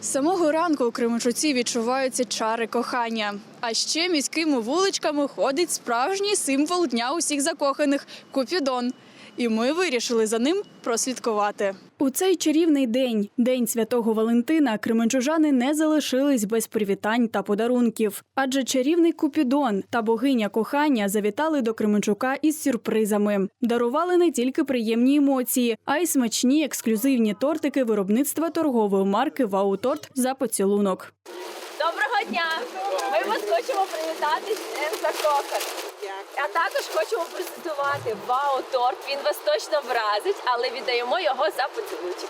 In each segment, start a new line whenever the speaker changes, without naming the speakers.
З самого ранку у Кременчуці відчуваються чари кохання. А ще міськими вуличками ходить справжній символ Дня усіх закоханих – Купідон. І ми вирішили за ним прослідкувати. У цей чарівний день, День Святого Валентина, кременчужани не залишились без привітань та подарунків. Адже чарівний Купідон та богиня кохання завітали до Кременчука із сюрпризами. Дарували не тільки приємні емоції, а й смачні ексклюзивні тортики виробництва торгової марки «Вау-торт» за поцілунок.
Доброго дня! Ми вас хочемо привітати з Днем закоханих. А також хочемо презентувати Вау-торт. Він вас точно вразить, але віддаємо його за поцілунчик.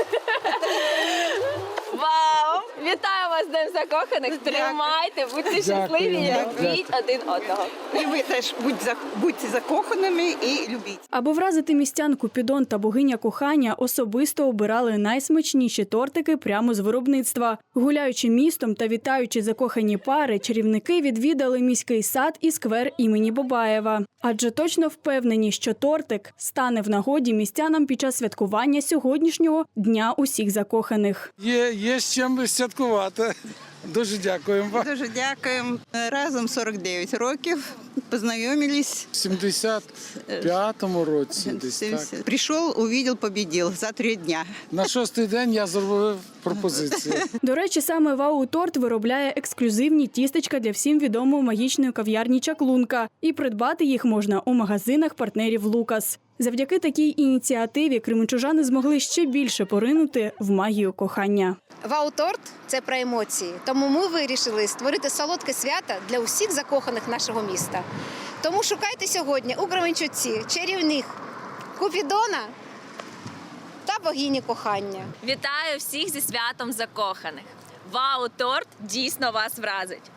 Вау! Вітаю вас з Днем закоханих! Тримайте, будьте щасливі і любіть один одного.
І ви теж будьте закоханими і любіть.
Аби вразити містян, Купідон та богиня кохання особисто обирали найсмачніші тортики прямо з виробництва. Гуляючи містом та вітаючи закохані пари, чарівники відвідали міський сад і сквер імені Бабаєва. Адже точно впевнені, що тортик стане в нагоді містянам під час святкування сьогоднішнього Дня усіх закоханих.
Є з чим святкувати. Дуже дякуємо вам.
Дуже дякуємо. Разом 49 років. Познайомились.
В 75-му році десь так.
Прийшов, увидел, победил за 3 дня.
На 6-й день я зробив пропозицію.
До речі, саме Вау-торт виробляє ексклюзивні тістечка для всім відомої магічної кав'ярні «Чаклунка». І придбати їх можна у магазинах партнерів «Лукас». Завдяки такій ініціативі кременчужани змогли ще більше поринути в магію кохання.
Вау-торт – це про емоції. Тому ми вирішили створити солодке свято для усіх закоханих нашого міста. Тому шукайте сьогодні у Кременчуці чарівних Купідона та богині кохання.
Вітаю всіх зі святом закоханих! Вау-торт дійсно вас вразить!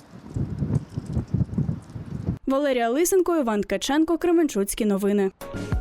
Валерія Лисенко, Іван Ткаченко, Кременчуцькі новини.